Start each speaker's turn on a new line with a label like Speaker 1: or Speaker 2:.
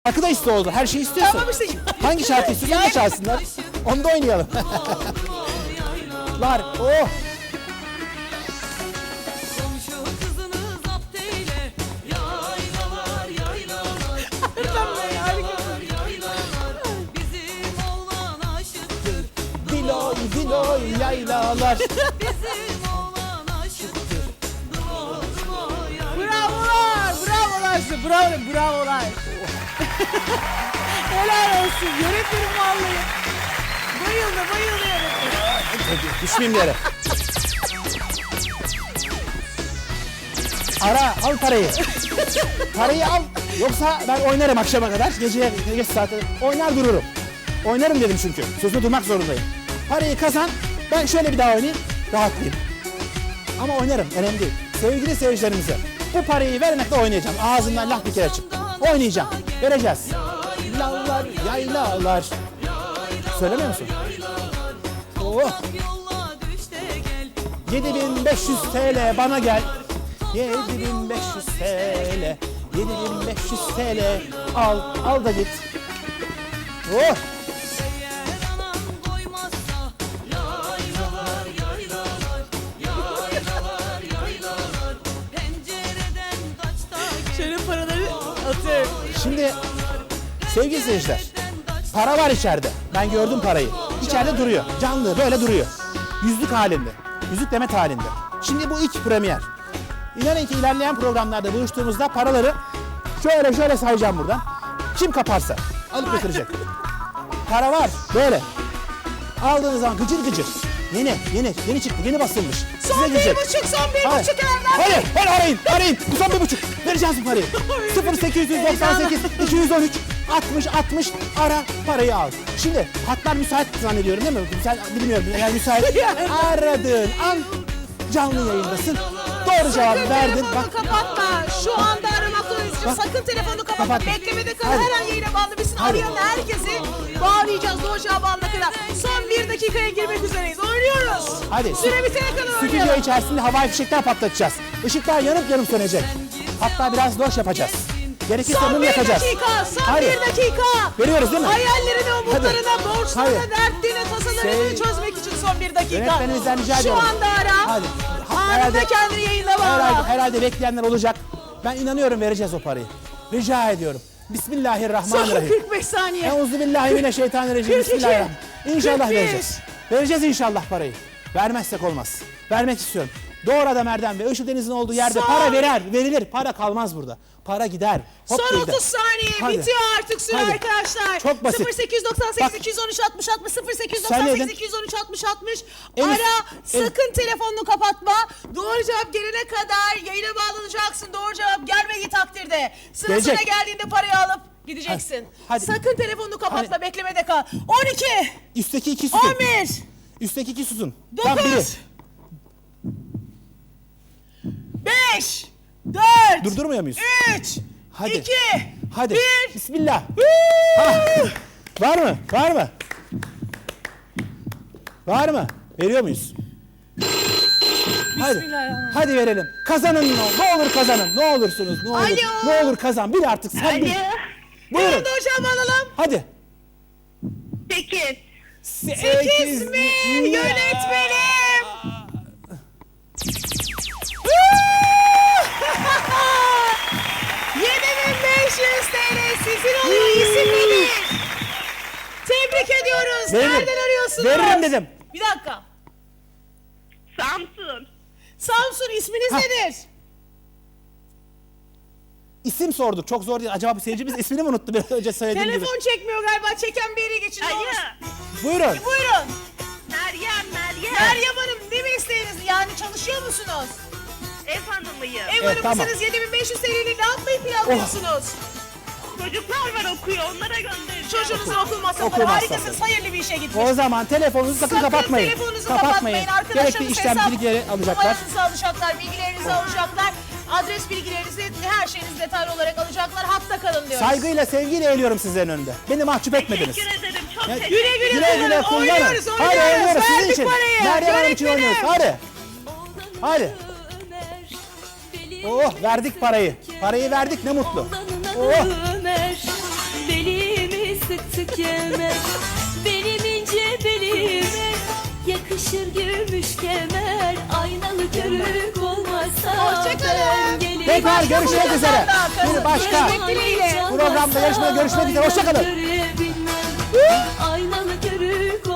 Speaker 1: Şarkı da iste oldu. Her şeyi istiyorsun.
Speaker 2: Tamam işte.
Speaker 1: Hangi şarkı istiyorsun da çalsınlar. Onu da oynayalım. Var. Oh. Diloy diloy yaylalar.
Speaker 2: Bravolar, bravolar size, bravolar. Helal olsun, yönetmenim vallahi. Bayıldı yönetmenim.
Speaker 1: Düşmeyeyim yere. Ara, al parayı. Parayı al. Yoksa ben oynarım akşama kadar. Gece saate oynar dururum. Oynarım dedim çünkü. Sözünde durmak zorundayım. Parayı kazan. Ben şöyle bir daha oynayayım. Rahatlayayım. Ama oynarım. Önemli değil. Sevgili seyircilerimize bu parayı vermekle oynayacağım. Ağzımdan laf bir kere çıktı. Oynayacağım. Vereceğiz. Yaylalar, yaylalar. Söylemiyor musun? Oh. 7500 TL bana gel. 7500 TL. 7500 TL. Al da git. Oh.
Speaker 2: Şöyle paraları atıyorum.
Speaker 1: Şimdi sevgili seyirciler, para var içeride. Ben gördüm parayı. İçeride duruyor. Canlı böyle duruyor. Yüzlük halinde. Yüzlük demet halinde. Şimdi bu ilk premier. İnanın ki ilerleyen programlarda buluştuğumuzda paraları şöyle sayacağım buradan. Kim kaparsa alıp götürecek. Para var böyle. Aldığınız zaman gıcır gıcır. Yeni çıktı, yeni basılmış.
Speaker 2: Son 1,5, Erdem.
Speaker 1: Hayır, arayın. Bu son 1,5. Vereceğiz bu parayı. 0898 213 60 ara parayı al. Şimdi hatlar müsait zannediyorum değil mi? Bilmiyorum eğer müsait. Aradığın an canlı yayındasın. Doğru cevabı verdin.
Speaker 2: Bak. Kapatma. Şu anda aramakta olacağız. Sakın telefonu kapatma. Beklemede kal.
Speaker 1: Hadi.
Speaker 2: Her an yayına bağlanabilirsin.
Speaker 1: Hadi.
Speaker 2: Arayan herkesi bağlayacağız. Doğru cevabı alana kadar. Son 1 dakikaya girmek üzereyiz. Oynuyoruz.
Speaker 1: Hadi.
Speaker 2: Süre bitene kadar
Speaker 1: Stüdyo
Speaker 2: oynayalım.
Speaker 1: içerisinde havai fişekler patlatacağız. Işıklar yanıp sönecek. Hatta biraz loş yapacağız. Gerekirse
Speaker 2: Son
Speaker 1: mum
Speaker 2: 1
Speaker 1: yakacağız.
Speaker 2: dakika. Son
Speaker 1: Hadi.
Speaker 2: 1 dakika.
Speaker 1: Veriyoruz değil mi?
Speaker 2: Hayallerini, umutlarını,
Speaker 1: Hadi.
Speaker 2: borçlarını,
Speaker 1: Hadi.
Speaker 2: dertlerini, tasalarını çözmek için son 1 dakika.
Speaker 1: Yönetmenimizden rica
Speaker 2: Şu
Speaker 1: ediyorum.
Speaker 2: anda ara.
Speaker 1: Hadi.
Speaker 2: Anında
Speaker 1: Herhalde-
Speaker 2: kendini yayına bağla.
Speaker 1: Herhalde bekleyenler olacak. Ben inanıyorum vereceğiz o parayı. Rica ediyorum.
Speaker 2: Son
Speaker 1: Bismillahirrahmanirrahim.
Speaker 2: 45 saniye.
Speaker 1: Euzubillahimineşşeytanirracim.
Speaker 2: 42,
Speaker 1: Bismillahirrahmanirrahim. İnşallah
Speaker 2: 41.
Speaker 1: vereceğiz. Vereceğiz inşallah parayı. Vermezsek olmaz. Vermek istiyorum. Doğru adam Erdem ve Işıl Deniz'in olduğu yerde
Speaker 2: Son-
Speaker 1: para verilir. Para kalmaz burada. Para gider. Hop
Speaker 2: Son
Speaker 1: gider.
Speaker 2: 30 saniye
Speaker 1: Hadi.
Speaker 2: bitiyor artık süre
Speaker 1: Hadi.
Speaker 2: arkadaşlar.
Speaker 1: Çok basit.
Speaker 2: 0898
Speaker 1: Bak.
Speaker 2: 213 60 60
Speaker 1: Sen
Speaker 2: 0898
Speaker 1: dedin.
Speaker 2: 213 60 60
Speaker 1: En üst-
Speaker 2: ara
Speaker 1: en-
Speaker 2: sakın telefonunu kapatma. Doğru cevap gelene kadar yayına bağlanacaksın. Doğru cevap gelmediği takdirde sırasına
Speaker 1: Gelecek.
Speaker 2: geldiğinde parayı alıp gideceksin.
Speaker 1: Hadi.
Speaker 2: Sakın telefonunu kapatma,
Speaker 1: Hadi.
Speaker 2: beklemede kal. 12
Speaker 1: Üstteki iki susun.
Speaker 2: 11
Speaker 1: Üstteki iki susun. Tam biri.
Speaker 2: 9 5 4
Speaker 1: Durdurmuyor muyuz?
Speaker 2: 3
Speaker 1: Hadi.
Speaker 2: 2
Speaker 1: Hadi.
Speaker 2: 1
Speaker 1: Bismillah. Var mı? Var mı? Veriyor muyuz? Hadi.
Speaker 2: Bismillahirrahmanirrahim.
Speaker 1: Hadi verelim. Kazanın ne olur kazanın. Ne olursunuz. Ne olur.
Speaker 2: Alo.
Speaker 1: Ne olur kazan. Bir artık sen bil. Buyurun.
Speaker 2: Buyurun hocam alalım.
Speaker 1: Hadi.
Speaker 3: 8.
Speaker 2: 8 mi? Yönetmenim. TL sizin oluyor. İsim nedir? Tebrik ediyoruz.
Speaker 1: Veririm.
Speaker 2: Nereden arıyorsunuz?
Speaker 1: Veririm dedim.
Speaker 2: Bir dakika.
Speaker 3: Samsun.
Speaker 2: Samsun, isminiz
Speaker 1: Ha.
Speaker 2: nedir?
Speaker 1: İsim sorduk. Çok zor değil. Acaba bu seyircimiz ismini mi unuttu biraz önce söylediğim gibi?
Speaker 2: Telefon çekmiyor galiba. Çeken bir yere geçin. ne olur.
Speaker 3: Alo.
Speaker 1: Buyurun.
Speaker 2: Buyurun.
Speaker 3: Meryem.
Speaker 2: Meryem Hanım, ne mesleğiniz? Yani çalışıyor musunuz?
Speaker 3: Ev hanımıyım.
Speaker 2: Ev hanımı
Speaker 1: tamam.
Speaker 2: mısınız? 7500 TL'yi ne yapmayı planlıyorsunuz?
Speaker 3: Çocuklar var okuyor. Onlara göndereceğim.
Speaker 2: Çocuğunuzun okul masrafları.
Speaker 1: Okul
Speaker 2: Harikasınız.
Speaker 1: masrafları.
Speaker 2: Hayırlı bir işe gitmiş.
Speaker 1: O zaman telefonunuzu sakın kapatmayın.
Speaker 2: telefonunuzu kapatmayın. Arkadaşlarınız
Speaker 1: Gerekli işlem
Speaker 2: hesap
Speaker 1: bilgileri alacaklar.
Speaker 2: numaranızı alacaklar, bilgilerinizi alacaklar. Adres bilgilerinizi, her şeyinizi detaylı olarak alacaklar. Hatta kalın diyoruz.
Speaker 1: Saygıyla, sevgiyle eğiliyorum sizlerin önünde. Beni mahcup etmediniz.
Speaker 3: Teşekkür ederim. Çok
Speaker 1: Ya,
Speaker 3: teşekkür
Speaker 2: Güle güle,
Speaker 1: Güle güle kullanın.
Speaker 2: Oynuyoruz.
Speaker 1: Hadi oynuyoruz sizin
Speaker 2: Verdik
Speaker 1: için.
Speaker 2: parayı.
Speaker 1: Meryem Hanım için
Speaker 2: Yönetmenim.
Speaker 1: oynuyoruz. Hadi. Oh verdik parayı. Parayı verdik ne mutlu. Oh.
Speaker 4: Yakışır gümüş kemer, aynalı körük olmazsa.
Speaker 2: Hoşçakalın.
Speaker 4: Gelin
Speaker 1: Tekrar görüşmek üzere. Bir başka
Speaker 2: Görüşmek dileğiyle.
Speaker 1: programda yarışmada görüşmek üzere. Hoşçakalın.
Speaker 4: Aynalı körük